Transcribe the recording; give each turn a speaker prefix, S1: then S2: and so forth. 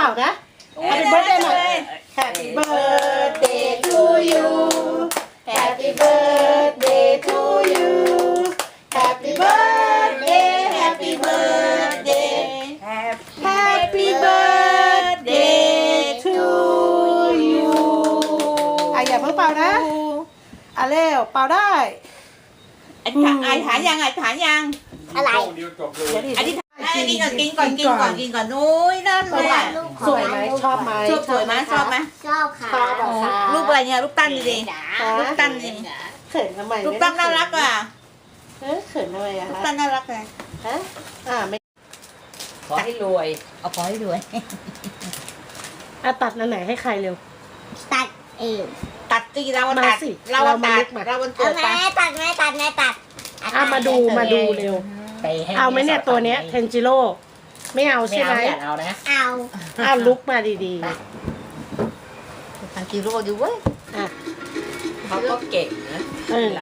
S1: นะ Happy birthday หน่อย Happy birthday to you Happy birthday to you Happy birthday Happy birthday Happy birthday to you อย่าเพิ่งเป่านะเร็วเป่าได้
S2: ไอ้ฐานยัง
S3: อะไร
S2: อันนี้กินก่อนนุ้ยนั่นเลย
S1: สวยไหมชอบไหม
S2: สวยไหมชอบไหม
S3: ชอบค่ะ
S1: ชอบเหรอคะ
S2: รูปอะไรเนี่ยรูปตั้นดิรูปตั้นดิ
S1: เขินทำไม
S2: รูปตั้นน่ารักอ่ะ
S1: เขินทำไมอะ
S2: รูป
S1: คะ
S2: ตั้นน่ารักเลย
S1: ฮะไม่
S4: ขอให้รวย
S2: เอาขอให้รวย
S1: ตัดอันไหนให้ใครเร็ว
S3: ตัดเอง
S2: ตัดตีเราตัด
S1: มาสิ
S2: เราตัด
S1: เรามาลุกมา
S2: เราวัน
S3: เอา
S2: เกิด
S3: แม่
S2: ไป
S3: ตัดแม่ตัด
S1: มาดูเร็ว
S4: ไปให้
S1: เอาไหมเนี่ยตัวเนี้ยเทนจิโร่ไม่เอา
S4: ไม่
S1: ใช่ไหม
S4: เอาอย่าเอานะ
S3: เอา
S1: ลุกมาดี
S2: ทางกิโลดูเว้ย
S1: ๆ
S4: เขาก็เก่งนะ